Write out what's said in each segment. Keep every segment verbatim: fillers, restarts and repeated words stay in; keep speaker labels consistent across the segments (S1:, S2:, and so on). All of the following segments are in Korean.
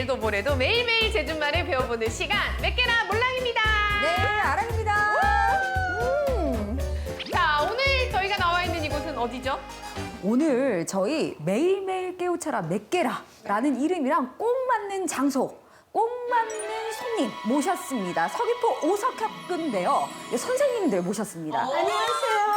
S1: 아래도 모래도 매일매일 제주말을 배워보는 시간 몇 개나 몰랑입니다.
S2: 네, 아랑입니다. 음.
S1: 자, 오늘 저희가 나와 있는 이곳은 어디죠?
S2: 오늘 저희 매일매일 깨우쳐라 몇 개라 라는 이름이랑 꼭 맞는 장소, 꼭 맞는 손님 모셨습니다. 서귀포 오석학교인데요. 선생님들 모셨습니다.
S3: 안녕하세요.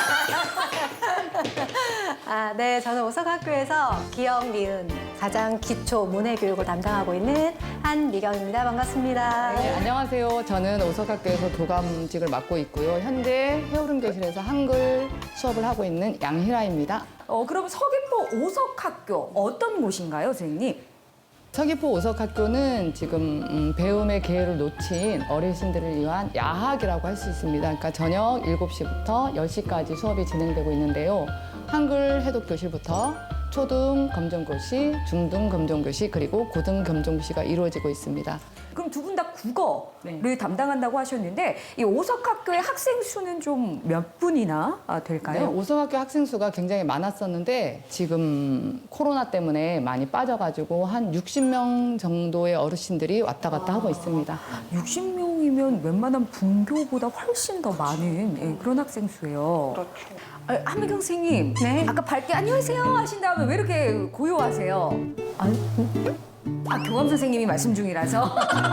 S3: 아, 네, 저는 오석학교에서 기억, 미은, 가장 기초 문해 교육을 담당하고 있는 한미경입니다. 반갑습니다.
S4: 네, 안녕하세요. 저는 오석학교에서 교감직을 맡고 있고요. 현재 해오름교실에서 한글 수업을 하고 있는 양희라입니다.
S2: 어, 그럼 서귀포 오석학교 어떤 곳인가요, 선생님?
S4: 서귀포 오석학교는 지금 음, 배움의 기회를 놓친 어르신들을 위한 야학이라고 할 수 있습니다. 그러니까 저녁 일곱 시부터 열 시까지 수업이 진행되고 있는데요. 한글 해독 교실부터 초등 검정고시, 중등 검정고시, 그리고 고등 검정고시가 이루어지고 있습니다.
S2: 그럼 두 분 다 국어를
S4: 네.
S2: 담당한다고 하셨는데 이 오석학교의 학생 수는 좀 몇 분이나 아,
S4: 네,
S2: 될까요?
S4: 오석학교 학생 수가 굉장히 많았었는데 지금 코로나 때문에 많이 빠져가지고 한 육십 명 정도의 어르신들이 왔다 갔다 하고 있습니다.
S2: 육십 명이면 웬만한 분교보다 훨씬 더 많은 예, 그런 학생 수예요.
S1: 그렇죠.
S2: 아, 한미경 선생님,
S3: 네.
S2: 아까 밝게 안녕하세요 하신 다음에 왜 이렇게 고요하세요?
S3: 아유,
S2: 아, 교감 선생님이 말씀 중이라서.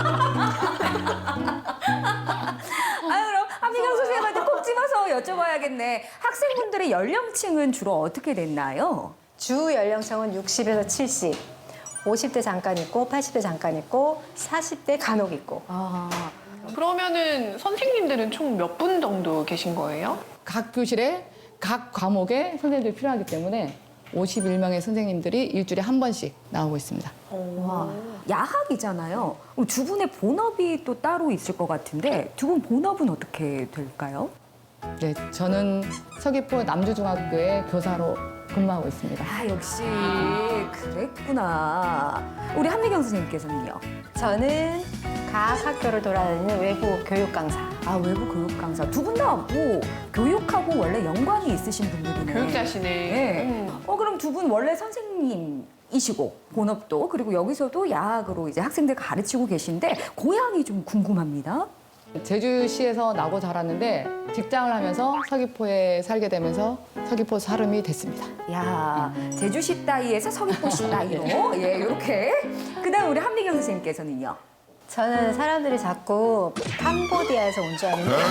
S2: 아, 그럼 한미경 선생님한테 콕 집어서 여쭤봐야겠네. 학생분들의 연령층은 주로 어떻게 됐나요?
S3: 주 연령층은 육십에서 칠십, 오십 대 잠깐 있고, 팔십 대 잠깐 있고, 사십 대 간혹 있고.
S2: 아,
S1: 그러면은 선생님들은 총 몇 분 정도 계신 거예요?
S4: 각 교실에 각 과목에 선생님들이 필요하기 때문에 오십일 명의 선생님들이 일주일에 한 번씩 나오고 있습니다.
S2: 와, 야학이잖아요. 그럼 두 분의 본업이 또 따로 있을 것 같은데 두 분 본업은 어떻게 될까요?
S4: 네, 저는 서귀포 남주중학교의 교사로 근무하고 있습니다.
S2: 아, 역시 그랬구나. 우리 한미경 선생님께서는요?
S3: 저는 각 학교를 돌아다니는 외부 교육 강사.
S2: 아, 외부 교육 강사. 두 분 다 뭐 교육하고 원래 연관이 있으신 분들이네.
S1: 교육자시네.
S2: 네.
S1: 음.
S2: 어, 그럼 두 분 원래 선생님이시고 본업도 그리고 여기서도 야학으로 이제 학생들 가르치고 계신데 고향이 좀 궁금합니다.
S4: 제주시에서 나고 자랐는데 직장을 하면서 서귀포에 살게 되면서 서귀포 사람이 됐습니다.
S2: 야, 제주시 따위에서 서귀포시 따위로 예, 이렇게. 그다음 우리 한미경 선생님께서는요.
S3: 저는 사람들이 자꾸 캄보디아에서 온 줄 아는데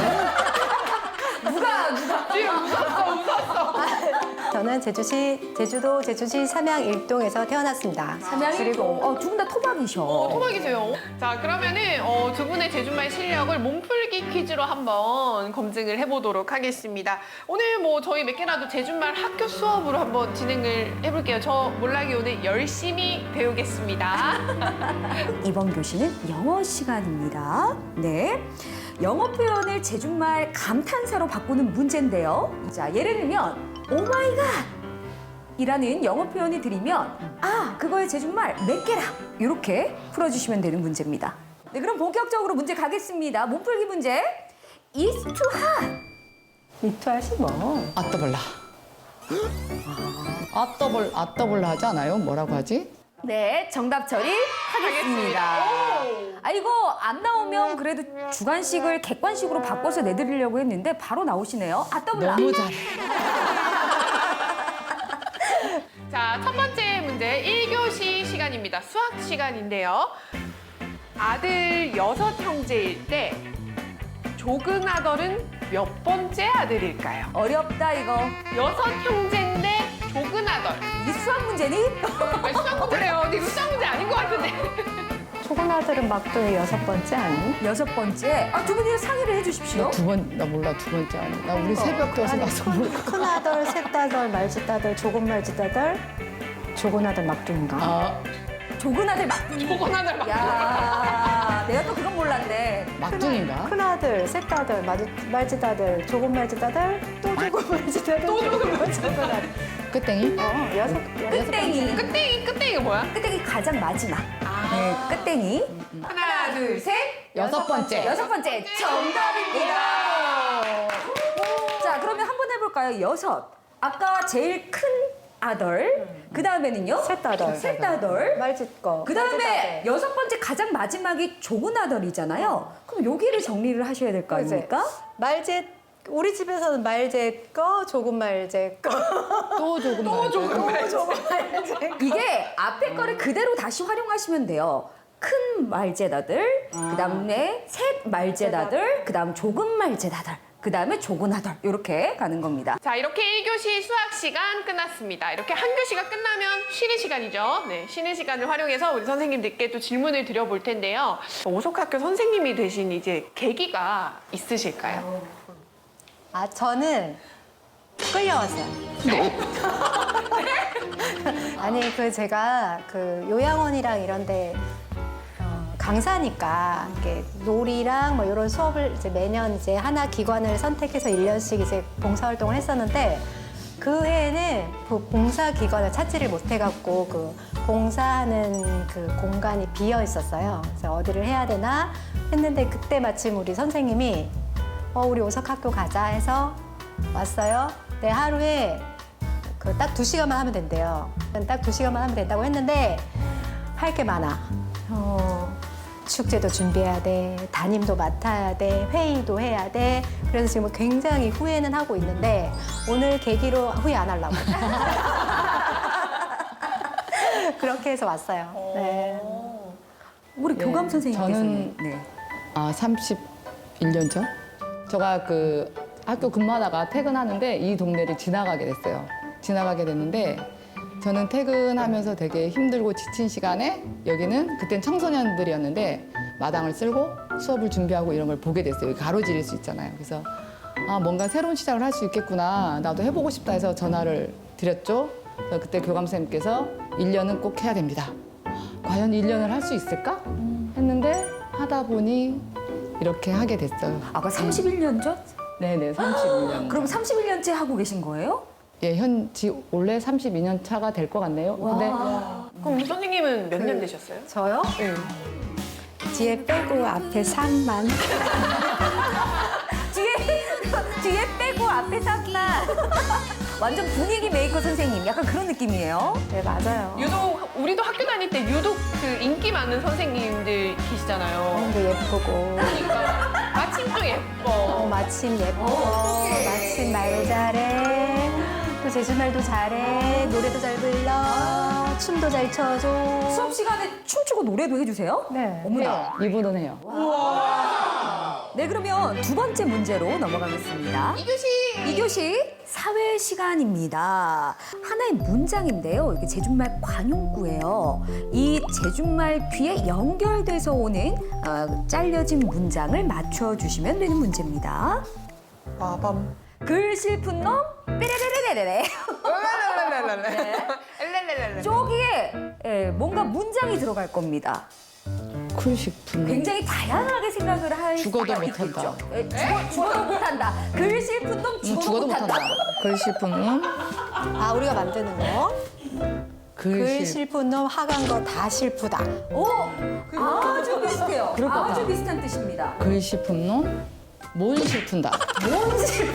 S2: 누가 누가
S1: 지금 웃었어, 웃었어.
S3: 저는 제주시, 제주도 제주시 삼양 일동에서 태어났습니다.
S2: 삼양일동. 어, 두 분 다 토박이셔.
S1: 어, 토박이세요. 자, 그러면은 어, 두 분의 제주말 실력을 몸풀기 퀴즈로 한번 검증을 해보도록 하겠습니다. 오늘 뭐 저희 몇 개라도 제주말 학교 수업으로 한번 진행을 해볼게요. 저 몰락이 오늘 열심히 배우겠습니다.
S2: 이번 교시는 영어 시간입니다. 네. 영어 표현을 제주말 감탄사로 바꾸는 문제인데요. 자, 예를 들면 오 마이 갓 이라는 영어 표현이 들리면 아, 그거의 제주말 몇 개라 이렇게 풀어주시면 되는 문제입니다. 네, 그럼 본격적으로 문제 가겠습니다. 몸풀기 문제. It's too hot.
S3: 이투하시 뭐.
S4: 아떠벌라. 아떠벌, 아떠벌라 하지 않아요? 뭐라고 하지?
S2: 네, 정답 처리하겠습니다. 아, 이거 안 나오면 그래도 주관식을 객관식으로 바꿔서 내드리려고 했는데 바로 나오시네요. 아, 더블
S4: 너무 잘해.
S1: 자, 첫 번째 문제 일 교시 시간입니다. 수학 시간인데요. 아들 여섯 형제일 때 조근아들은 몇 번째 아들일까요?
S2: 어렵다, 이거.
S1: 여섯 형제인데 조근아들.
S2: 이게 수학 문제니?
S1: 아, 수학 문제래요. 근데 이거 수학 문제 아닌 것 같은데.
S3: 초고나들은 막둥이 여섯 번째 아니?
S2: 여섯 번째. 아, 두 분이 상의를 해주십시오.
S4: 나 두 번, 나 몰라, 두 번째 아니. 나 우리 새벽 교수 가서 몰라.
S3: 큰아들, 셋다들, 말짓다들, 조금 말짓다들, 조고나들 막둥인가?
S4: 아,
S2: 조근아들 막둥이.
S1: 조근아들 막.
S2: 야, 내가 또 그건 몰랐네.
S4: 막둥인가?
S3: 큰아들, 셋다들, 말짓다들, 조금 말짓다들, 또 조금 말짓다들, 또 조금 말짓다들.
S4: 끝땡이?
S3: 어, 여섯, 여섯
S2: 끝땡이.
S1: 끝땡이, 끝땡이가 뭐야?
S2: 끝땡이 가장 마지막. 네, 끝땡이. 하나, 둘, 셋.
S4: 여섯 번째.
S2: 여섯 번째 정답입니다. 자, 그러면 한번 해볼까요? 여섯. 아까 제일 큰 아덜. 그 다음에는요?
S3: 셋다덜.
S2: 셋다덜.
S3: 말짓거.
S2: 그 다음에 여섯 번째 가장 마지막이 조그나덜이잖아요. 그럼 여기를 정리를 하셔야 될 거 아닙니까?
S3: 말짓 우리 집에서는 말제거, 조금 말제거.
S4: 또 조금 또
S3: 조금 말제거.
S2: 이게 앞에 거를 그대로 다시 활용하시면 돼요. 큰 말제다들, 그 다음에 셋 말제다들, 그 다음 조금 말제다들, 그 다음에 조그나덜 이렇게 가는 겁니다.
S1: 자, 이렇게 일 교시 수학 시간 끝났습니다. 이렇게 한 교시가 끝나면 쉬는 시간이죠. 네, 쉬는 시간을 활용해서 우리 선생님들께 또 질문을 드려볼 텐데요. 오석학교 선생님이 되신 이제 계기가 있으실까요?
S3: 아, 저는 끌려왔어요. 아니, 그 제가 그 요양원이랑 이런데 어, 강사니까 이렇게 놀이랑 뭐 이런 수업을 이제 매년 이제 하나 기관을 선택해서 일 년씩 이제 봉사활동을 했었는데 그 해에는 그 봉사 기관을 찾지를 못해갖고 그 봉사하는 그 공간이 비어 있었어요. 그래서 어디를 해야 되나 했는데 그때 마침 우리 선생님이 어, 우리 오석학교 가자 해서 왔어요. 네, 하루에 그 딱 두 시간만 하면 된대요. 딱 두 시간만 하면 된다고 했는데 할 게 많아. 어, 축제도 준비해야 돼, 담임도 맡아야 돼, 회의도 해야 돼. 그래서 지금 굉장히 후회는 하고 있는데 오늘 계기로 후회 안 하려고. 그렇게 해서 왔어요. 네.
S2: 우리
S4: 네,
S2: 교감 선생님께서는
S4: 저는-
S2: 네.
S4: 아, 삼십일 년 전? 제가 그 학교 근무하다가 퇴근하는데 이 동네를 지나가게 됐어요. 지나가게 됐는데 저는 퇴근하면서 되게 힘들고 지친 시간에 여기는 그땐 청소년들이었는데 마당을 쓸고 수업을 준비하고 이런 걸 보게 됐어요. 가로지를 수 있잖아요. 그래서 아, 뭔가 새로운 시작을 할 수 있겠구나. 나도 해보고 싶다 해서 전화를 드렸죠. 그래서 그때 교감 선생님께서 일 년은 꼭 해야 됩니다. 과연 일 년을 할 수 있을까? 했는데 하다 보니 이렇게 하게 됐어요.
S2: 아까 삼십일 년 전?
S4: 네네, 삼십일 년.
S2: 그럼 삼십일 년째 하고 계신 거예요?
S4: 예, 현지 원래 삼십이 년 차가 될 것 같네요. 근데
S1: 그럼 우리 선생님은 몇 년 되셨어요?
S3: 저요?
S1: 네.
S3: 뒤에 빼고 앞에 삼만.
S2: 뒤에 뒤에 빼고 앞에 삼만. 완전 분위기 메이커 선생님, 약간 그런 느낌이에요.
S3: 네, 맞아요.
S1: 유독 우리도 학교 다닐 때 유독 그 인기 많은 선생님들 계시잖아요.
S3: 너무 예쁘고.
S1: 그러니까 마침 또
S3: 어,
S1: 예뻐.
S3: 마침 예뻐. 마침 말 잘해. 또 제주말도 잘해. 노래도 잘 불러. 춤도 잘 춰줘.
S2: 수업 시간에 춤추고 노래도 해주세요?
S3: 네.
S2: 어머나.
S4: 이분은 해요.
S2: 네, 그러면 두 번째 문제로 넘어가겠습니다.
S1: 이 교시
S2: 이 교시 사회 시간입니다. 하나의 문장인데요. 이게 제준말 관용구예요. 이 제준말 귀에 연결돼서 오는 어, 잘려진 문장을 맞춰주시면 되는 문제입니다.
S1: 빠밤.
S2: 글 슬픈 놈 삐레레레레레.
S1: 엘렐렐렐렐.
S2: 저기에 예, 뭔가 문장이 들어갈 겁니다.
S4: 쿨식품.
S2: 굉장히 다양하게 생각을 할
S4: 죽어도
S2: 수가
S4: 못한다.
S2: 있겠죠. 예, 죽어, 죽어도 못한다. 글 슬픈 놈
S4: 음,
S2: 죽어도,
S4: 죽어도
S2: 못한다.
S4: 못한다. 글씨품은
S3: 아, 우리가 만드는 거. 글
S4: 글씨.
S3: 실픈 놈 하간 거 다 실프다.
S2: 오, 아주 비슷해요.
S4: 그럴 것
S2: 아주
S4: 같아.
S2: 비슷한 뜻입니다.
S4: 글씨품론 못 실푼다.
S2: 뭔지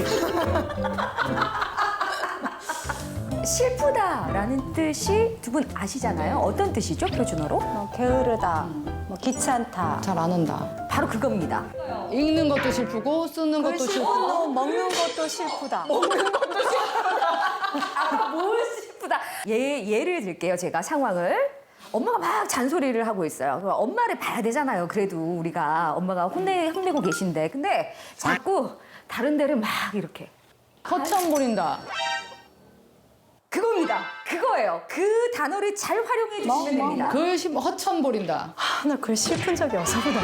S2: 슬프다라는 뜻이 두 분 아시잖아요. 어떤 뜻이죠, 표준어로?
S3: 뭐 게으르다. 뭐 귀찮다.
S4: 잘 안 한다.
S2: 바로 그겁니다.
S4: 읽는 것도 실프고 쓰는
S3: 글
S4: 것도
S3: 실픈
S4: 실프고.
S3: 놈 먹는 것도 실프다.
S2: 아, 뭘 슬프다. 예, 예를 들게요, 제가 상황을. 엄마가 막 잔소리를 하고 있어요. 그럼 엄마를 봐야 되잖아요. 그래도 우리가 엄마가 혼내, 혼내고 계신데. 근데 자꾸 다른 데를 막 이렇게.
S4: 허천 부린다.
S2: 그겁니다. 그거예요. 그 단어를 잘 활용해 주시면 됩니다.
S4: 글씨 허천 부린다.
S3: 아, 나 글 실픈 적이 없어 보다.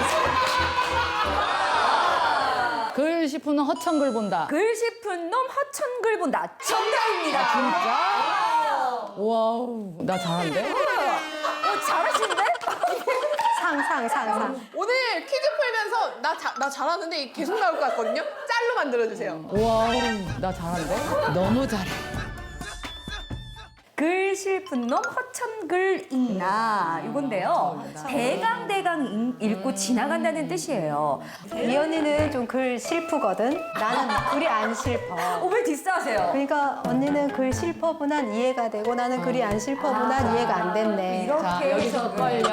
S4: 글씨품은 허천글 본다.
S2: 글 싶은 놈 허천글 본다. 정답입니다.
S4: 진짜? 와우, 나 잘한데?
S2: 어, 잘하시는데?
S3: 상상 상상.
S1: 오늘 퀴즈 풀면서 나, 자, 나 잘하는데 계속 나올 것 같거든요? 짤로 만들어주세요.
S4: 와우, 나 잘한데? 너무 잘해.
S2: 글 실픈 놈 허천글 읽나 이건데요. 대강 대강 읽고 지나간다는 뜻이에요.
S3: 이 언니는 좀 글 실프거든. 나는 글이 안 실퍼.
S2: 어, 왜 디스하세요?
S3: 그러니까 언니는 글 실퍼분한 이해가 되고 나는 글이 안 실퍼분한 이해가 안 됐네.
S2: 이렇게
S4: 자, 여기서 껄련.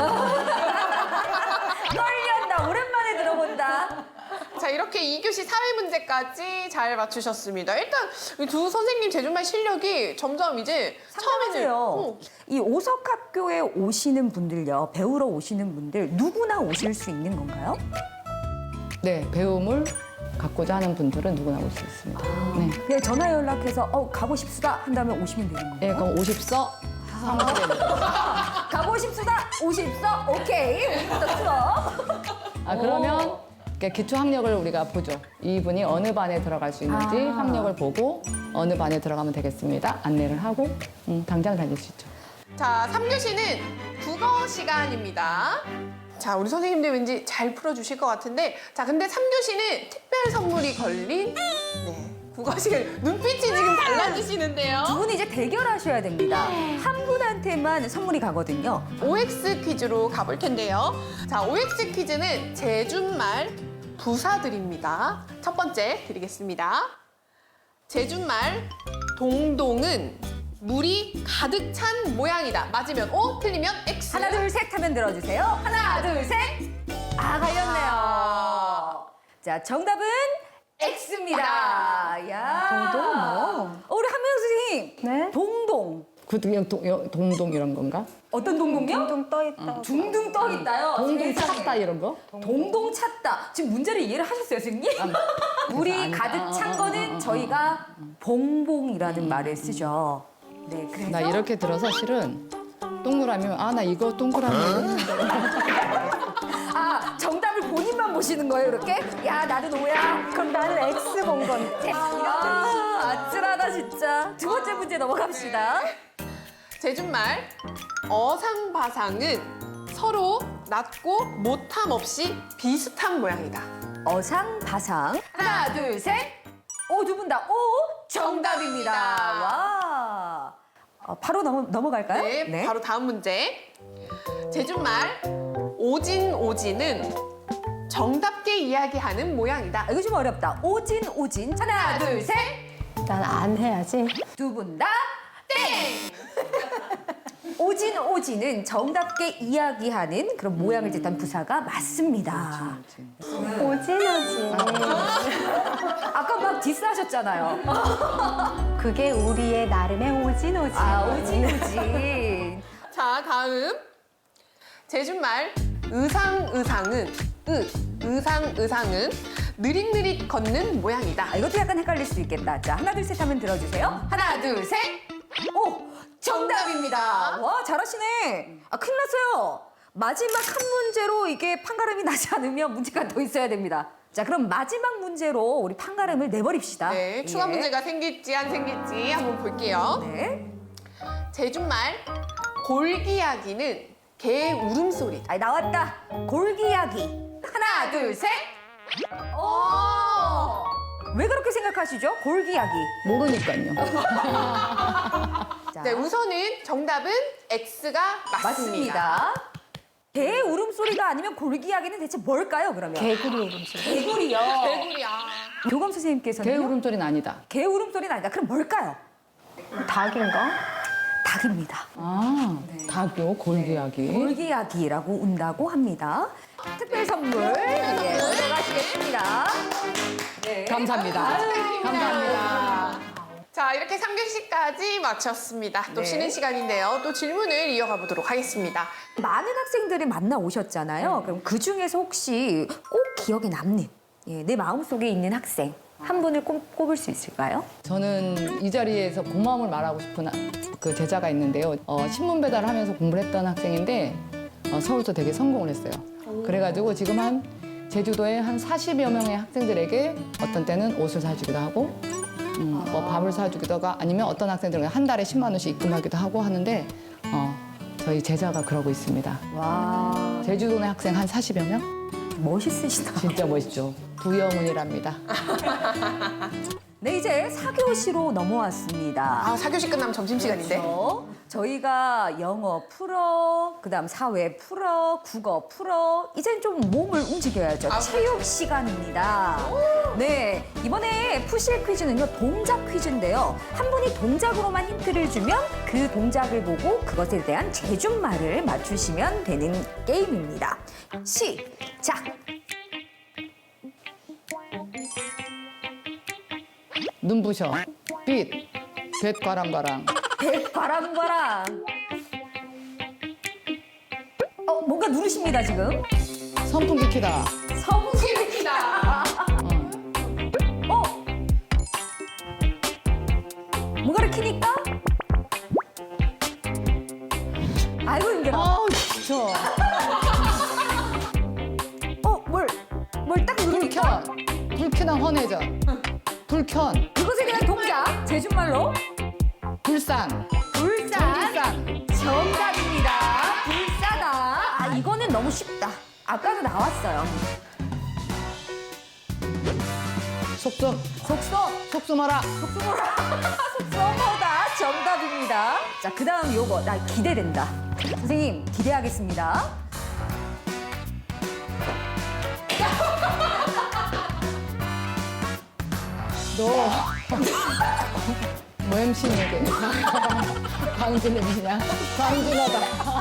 S2: 떨린다. 오랜만에 들어본다.
S1: 자, 이렇게 이 교시 사회 문제까지 잘 맞추셨습니다. 일단 이 두 선생님 제주말 실력이 점점 이제 처음에는
S2: 상당하세요.
S1: 어,
S2: 이 오석학교에 오시는 분들요, 배우러 오시는 분들 누구나 오실 수 있는 건가요?
S4: 네, 배움을 갖고자 하는 분들은 누구나 올 수 있습니다. 네.
S2: 그냥 전화 연락해서 어, 가고 싶수다 한다면 오시면 되는 건가요?
S4: 네, 그럼 오십서 사무실에.
S2: 가고 싶수다 오십서 오케이 오늘부터 수업.
S4: 아, 그러면 이렇게 기초 학력을 우리가 보죠. 이분이 어느 반에 들어갈 수 있는지
S2: 아.
S4: 학력을 보고 어느 반에 들어가면 되겠습니다. 안내를 하고 음, 당장 다닐 수 있죠.
S1: 자, 삼 교시는 국어 시간입니다. 자, 우리 선생님들 왠지 잘 풀어주실 것 같은데, 자, 근데 삼 교시는 특별 선물이 걸린 네, 국어 시간. 눈빛이 지금 달라지시는데요.
S2: 두 분이 이제 대결하셔야 됩니다. 한 분한테만 선물이 가거든요.
S1: 오엑스 퀴즈로 가볼 텐데요. 자, 오엑스 퀴즈는 제주말 부사들입니다. 첫 번째 드리겠습니다. 제주말 동동은 물이 가득 찬 모양이다. 맞으면 O, 틀리면 X.
S2: 하나 둘 셋 하면 들어주세요. 하나 둘 셋. 아 갈렸네요. 자 정답은 X입니다. 야.
S3: 동동은 뭐?
S2: 어, 우리 한명 선생님.
S3: 네?
S2: 동동.
S4: 그 그냥 동, 여- 동동 이런 건가?
S2: 어떤 동동이요?
S3: 둥둥 떠 있다.
S2: 둥둥 떠 있다요.
S4: 동동
S2: 세상에.
S4: 찾다 이런 거?
S2: 동동 찾다. 지금 문제를 이해를 하셨어요, 선생님? 물이
S4: 아니다.
S2: 가득 찬 거는 저희가 봉봉이라는 말을 쓰죠. 네, 그래서
S4: 나 이렇게 들어서 실은 동그라미면 아 나 이거 동그라미 했는데.
S2: 아 정답을 본인만 보시는 거예요, 이렇게? 야 나는 오야.
S3: 그럼 나는 X 본 건데.
S2: 아, 아찔하다 진짜. 두 번째 문제 넘어갑시다.
S1: 제주말 어상바상은 서로 낮고 못함 없이 비슷한 모양이다.
S2: 어상바상. 하나, 둘, 셋. 오, 두 분 다 오, 정답입니다.
S1: 정답입니다.
S2: 와. 어, 바로 넘어, 넘어갈까요?
S1: 네, 바로 다음 문제. 제주말 오진 오진은 정답게 이야기하는 모양이다.
S2: 아, 이거 좀 어렵다. 오진, 오진. 하나, 둘, 셋.
S3: 난 안 해야지.
S2: 두 분 다 땡! 오진, 오진은 정답게 이야기하는 그런 모양을 뜻한 부사가 맞습니다.
S3: 오진 오진.
S2: 아까 막 디스하셨잖아요.
S3: 그게 우리의 나름의 오진 오진.
S2: 아, 오진, 오진.
S1: 자, 다음. 제주말 의상 의상은 으, 의상 의상은 느릿느릿 걷는 모양이다.
S2: 아, 이것도 약간 헷갈릴 수 있겠다. 자, 하나, 둘, 셋 하면 들어주세요. 하나, 둘, 셋. 오, 정답입니다. 와, 잘하시네. 아, 큰일 났어요. 마지막 한 문제로 이게 판가름이 나지 않으면 문제가 더 있어야 됩니다. 자, 그럼 마지막 문제로 우리 판가름을 내버립시다.
S1: 네, 추가
S2: 예.
S1: 문제가 생길지 안 생길지 한번 볼게요.
S2: 네.
S1: 제주말 골기야기는 개 울음소리다.
S2: 아, 나왔다. 골기야기. 하나, 둘, 셋. 오! 왜 그렇게 생각하시죠? 골기야기.
S4: 모르니까요.
S2: 자,
S1: 네, 우선은 정답은 X가 맞습니다.
S2: 맞습니다. 개 울음소리가 아니면 골기야기는 대체 뭘까요, 그러면?
S3: 개구리 울음소리.
S2: 개구리요.
S1: 개구리야.
S2: 교감 선생님께서는
S4: 개 울음소리는 아니다.
S2: 개 울음소리는 아니다. 그럼 뭘까요?
S3: 닭인가?
S2: 닭입니다.
S4: 아, 닭요 골기야기.
S2: 골기야기라고 운다고 합니다. 특별 선물 예, 들어가시겠습니다. 네.
S4: 감사합니다.
S2: 아유,
S4: 감사합니다.
S1: 자, 이렇게 삼 교시까지 마쳤습니다. 또
S2: 네.
S1: 쉬는 시간인데요. 또 질문을 이어가 보도록 하겠습니다.
S2: 많은 학생들이 만나 오셨잖아요. 그럼 그 중에서 혹시 꼭 기억에 남는 예, 내 마음속에 있는 학생 한 분을 꼽, 꼽을 수 있을까요?
S4: 저는 이 자리에서 고마움을 말하고 싶은 그 제자가 있는데요. 어, 신문 배달을 하면서 공부를 했던 학생인데 어, 서울서 되게 성공을 했어요. 그래가지고 지금 한 제주도에 한 사십여 명의 학생들에게 어떤 때는 옷을 사주기도 하고 음, 뭐 밥을 사주기도 하고 아니면 어떤 학생들은 한 달에 십만 원씩 입금하기도 하고 하는데 어, 저희 제자가 그러고 있습니다.
S2: 와,
S4: 제주도 내 학생 한 사십여 명?
S2: 멋있으시다.
S4: 진짜 멋있죠. 부영훈이랍니다.
S2: 네, 이제 사 교시로 넘어왔습니다.
S1: 아, 사 교시 끝나면 점심시간인데.
S2: 그렇죠. 저희가 영어 풀어, 그다음 사회 풀어, 국어 풀어. 이젠 좀 몸을 움직여야죠.
S1: 아,
S2: 체육 시간입니다. 네, 이번에 푸실 퀴즈는요 동작 퀴즈인데요. 한 분이 동작으로만 힌트를 주면 그 동작을 보고 그것에 대한 제준말을 맞추시면 되는 게임입니다. 시작.
S4: 눈부셔. 빛. 뱃 과랑과랑.
S2: 백바람바람. 어, 뭔가 누르십니다 지금.
S4: 선풍기 키다.
S2: 성공입니다.
S4: 어.
S2: 어? 뭔가를 키니까? 아이고 힘들어.
S4: 아우, 진짜.
S2: 어, 뭘, 뭘 딱 누르니까?
S4: 불켠. 불쾌한 헌해져. 불켠.
S2: 이것에 대한 동작, 제준말로
S4: 불상.
S2: 불산.
S4: 전기상.
S2: 정답입니다. 불사다. 아, 이거는 너무 쉽다. 아까도 나왔어요.
S4: 속속.
S2: 속속.
S4: 속수마라.
S2: 속수모라. 속수모다. 정답입니다. 자, 그 다음 요거. 나 기대된다. 선생님, 기대하겠습니다.
S4: 너. 뭐 엠씨니 이게? 광준 엠씨냐? 광준하다.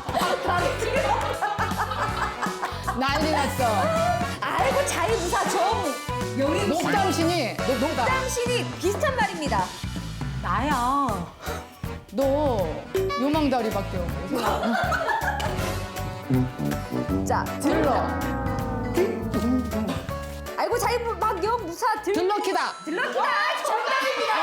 S4: 난리 났어.
S2: 아이고, 자유무사 정. 영희
S4: 녹당신이. 너 녹당.
S2: 당신이 비슷한 말입니다.
S3: 나야.
S4: 너 요망다리밖에 없고.
S2: 자,
S4: 들러.
S2: 아이고, 자유막 무사 들.
S4: 들럭키다.
S2: 들럭키다. 정답입니다.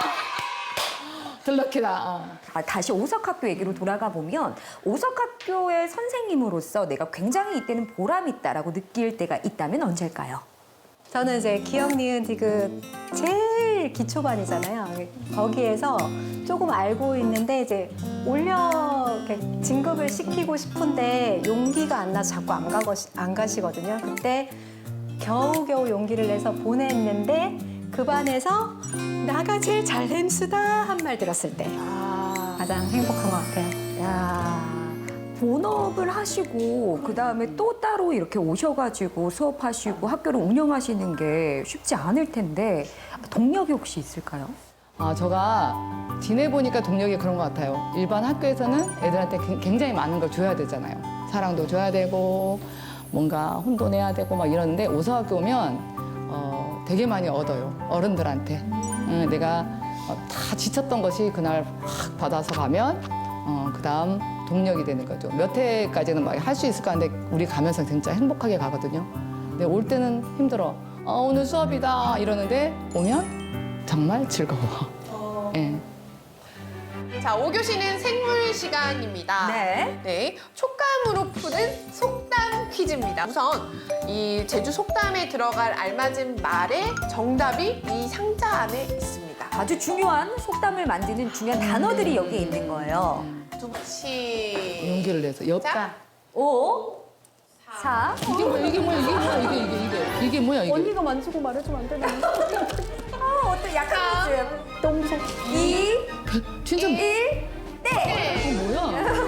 S4: 들럭키다. 어.
S2: 아, 다시 오석학교 얘기로 돌아가 보면 오석학교의 선생님으로서 내가 굉장히 이때는 보람 있다라고 느낄 때가 있다면 언제일까요?
S3: 저는 이제 기억, 니은, 디귿 제일 기초반이잖아요. 거기에서 조금 알고 있는데 이제 올려 이렇게 진급을 시키고 싶은데 용기가 안 나서 자꾸 안, 가거, 안 가시거든요. 그때 겨우겨우 용기를 내서 보냈는데 그 반에서 나가 제일 잘 햄수다 한 말 들었을 때
S2: 아,
S3: 가장 행복한 것 같아요.
S2: 야, 본업을 하시고 그 다음에 또 따로 이렇게 오셔가지고 수업하시고 학교를 운영하시는 게 쉽지 않을 텐데 동력이 혹시 있을까요?
S4: 아, 제가 지내보니까 동력이 그런 것 같아요. 일반 학교에서는 애들한테 굉- 굉장히 많은 걸 줘야 되잖아요. 사랑도 줘야 되고, 뭔가 혼도 내야 되고 막 이러는데 오서학교 오면 어, 되게 많이 얻어요. 어른들한테. 응, 내가 어, 다 지쳤던 것이 그날 확 받아서 가면 어, 그 다음 동력이 되는 거죠. 몇 회까지는 막 할 수 있을까 하는데 우리 가면서 진짜 행복하게 가거든요. 근데 올 때는 힘들어. 어, 오늘 수업이다 이러는데 오면 정말 즐거워. 예.
S1: 자, 오 교시는 생물 시간입니다.
S2: 네.
S1: 네, 촉감으로 푸는 속담 퀴즈입니다. 우선 이 제주 속담에 들어갈 알맞은 말의 정답이 이 상자 안에 있습니다.
S2: 아주 중요한 속담을 만드는 중요한 단어들이 여기에 있는 거예요.
S1: 두치.
S4: 용기를 내서 엽.
S1: 자,
S2: 오, 사.
S4: 이게 뭐야? 이게 뭐야? 이게 뭐야? 이게 이게 이게 이게 뭐야? 이게?
S3: 언니가 만지고 말해주면 안 되나?
S2: 어, 어떤 약간 모습.
S3: 똥속.
S2: 이,
S4: 진짜
S2: 일, 네.
S4: 이거 뭐야?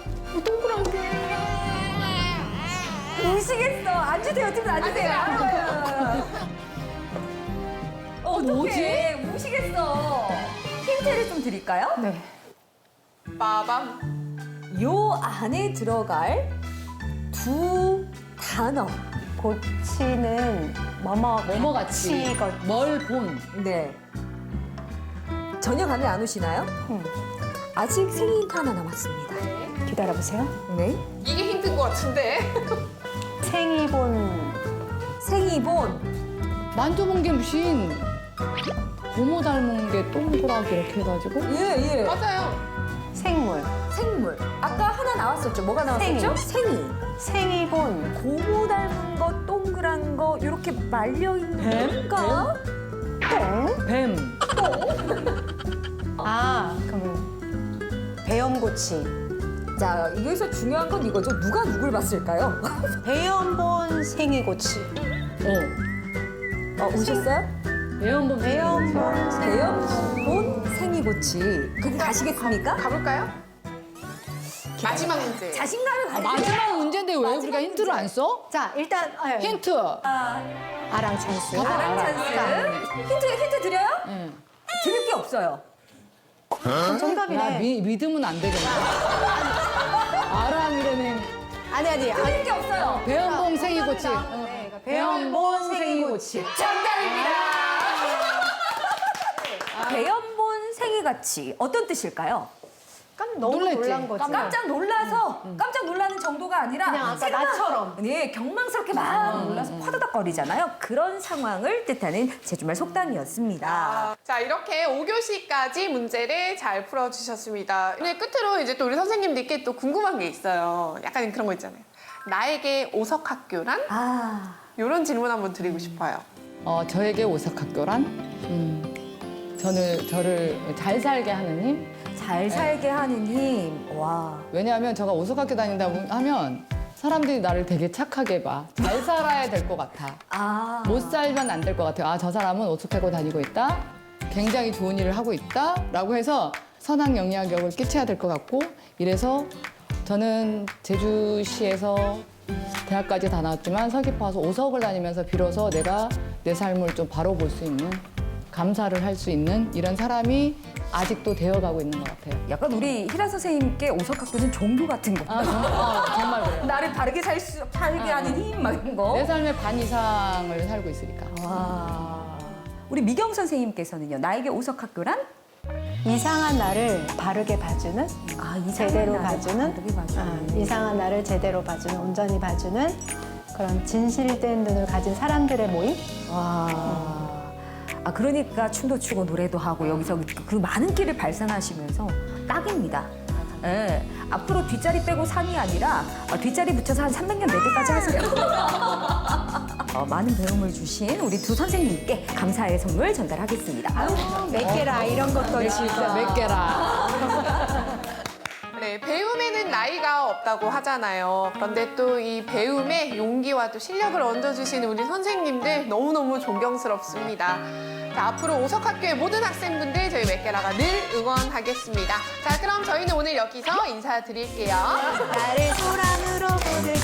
S2: 우시겠어. 앉으세요. 지금 앉으세요. 어,
S4: 뭐지?
S2: 우시겠어. 힌트를 좀 드릴까요?
S3: 네.
S1: 빠밤.
S2: 요 안에 들어갈 두 단어.
S3: 고치는 뭐뭐
S4: 뭐뭐같이
S3: 치거.
S4: 뭘 본.
S2: 네. 전혀 감이 안 오시나요?
S3: 음,
S2: 아직 생일 힌트 하나 남았습니다.
S3: 기다려보세요.
S2: 네.
S1: 이게 힌트인 것 같은데.
S3: 생이본
S2: 생이본.
S4: 만져본 게 무슨 고모 닮은 게 동그랗게 이렇게 해가지고
S2: 예, 예.
S1: 맞아요.
S3: 생물.
S2: 생물. 아까 하나 나왔었죠. 뭐가 나왔었죠? 생이.
S3: 생이본.
S2: 고무 닮은 거, 동그란 거, 이렇게 말려있는 거.
S3: 똥.
S4: 뱀.
S3: 아, 그럼 배염고치.
S2: 자, 여기서 중요한 건 이거죠. 누가 누굴 봤을까요?
S3: 배염본 생이고치.
S4: 어.
S2: 어, 오셨어요?
S4: 배연본
S3: 배연본
S2: 배연본 생이고치. 그럼 가시겠습니까?
S1: 가볼까요? 마지막 문제.
S2: 자신감을
S4: 아,
S2: 가지세요.
S4: 마지막 문제인데 왜 우리가 힌트를 안 써?
S3: 자, 일단 어,
S4: 힌트.
S3: 아랑 찬스.
S2: 아랑 찬스. 힌트, 힌트 드려요?
S4: 응.
S2: 드릴 게 없어요.
S3: 정답이네.
S4: 야, 미, 믿으면 안 되겠네. 아랑이라는
S3: 아니 아니. 아니.
S2: 드릴 게 없어요.
S4: 배연봉 생이고치.
S3: 네, 그러니까 배연본 생이고치.
S2: 정답입니다. 배연본 생이같이 어떤 뜻일까요?
S3: 깜 너무
S4: 놀랬지?
S3: 놀란 거지.
S2: 깜짝 놀라서 깜짝 놀라는 정도가 아니라
S3: 그냥 아까
S2: 새가
S3: 나처럼.
S2: 네, 경망스럽게 막 놀라서 화다닥거리잖아요. 그런 상황을 뜻하는 제주말 속담이었습니다.
S1: 아, 자, 이렇게 오 교시까지 문제를 잘 풀어주셨습니다. 오늘 끝으로 이제 또 우리 선생님들께 또 궁금한 게 있어요. 약간 그런 거 있잖아요. 나에게 오석학교란?
S2: 아,
S1: 이런 질문 한번 드리고 싶어요.
S4: 어, 저에게 오석학교란? 음, 저는 저를 잘 살게 하는 힘?
S2: 잘 살게 하는 힘. 와.
S4: 왜냐하면 제가 오석학교 다닌다 하면 사람들이 나를 되게 착하게 봐. 잘 살아야 될 것 같아.
S2: 아.
S4: 못 살면 안 될 것 같아요. 아, 저 사람은 오죽하고 다니고 있다. 굉장히 좋은 일을 하고 있다. 라고 해서 선한 영향력을 끼쳐야 될 것 같고 이래서 저는 제주시에서 대학까지 다 나왔지만 서귀포 와서 오석을 다니면서 비로소 내가 내 삶을 좀 바로 볼 수 있는 감사를 할 수 있는 이런 사람이 아직도 되어가고 있는 것 같아요.
S2: 약간 우리 희라 선생님께 오석학교는 종교 같은 거.
S4: 아, 정말, 어, 정말 그래요.
S2: 나를 바르게 살 수, 살게 하는 힘, 막 이런 거.
S4: 내 삶의 반 이상을 살고 있으니까.
S2: 와. 우리 미경 선생님께서는요, 나에게 오석학교란?
S3: 이상한 나를 바르게 봐주는,
S2: 아, 이상한
S3: 제대로
S2: 나를
S3: 봐주는,
S2: 바르게 봐주는.
S3: 아, 이상한 나를 제대로 봐주는, 온전히 봐주는 그런 진실된 눈을 가진 사람들의 모임.
S2: 와. 아, 그러니까 춤도 추고 노래도 하고 여기서 그 많은 끼를 발산하시면서 딱입니다. 예. 앞으로 뒷자리 빼고 삼이 아니라 어, 뒷자리 붙여서 한 삼백 년 내때까지 하세요. 어, 많은 배움을 주신 우리 두 선생님께 감사의 선물 전달하겠습니다.
S3: 몇 개라 이런 것도
S4: 진짜 몇 개라.
S1: 네, 배움에는 나이가 없다고 하잖아요. 그런데 또 이 배움에 용기와 또 실력을 얹어주시는 우리 선생님들 너무너무 존경스럽습니다. 자, 앞으로 오석학교의 모든 학생분들 저희 맥게라가 늘 응원하겠습니다. 자, 그럼 저희는 오늘 여기서 인사드릴게요.
S3: 나를 소란으로 보들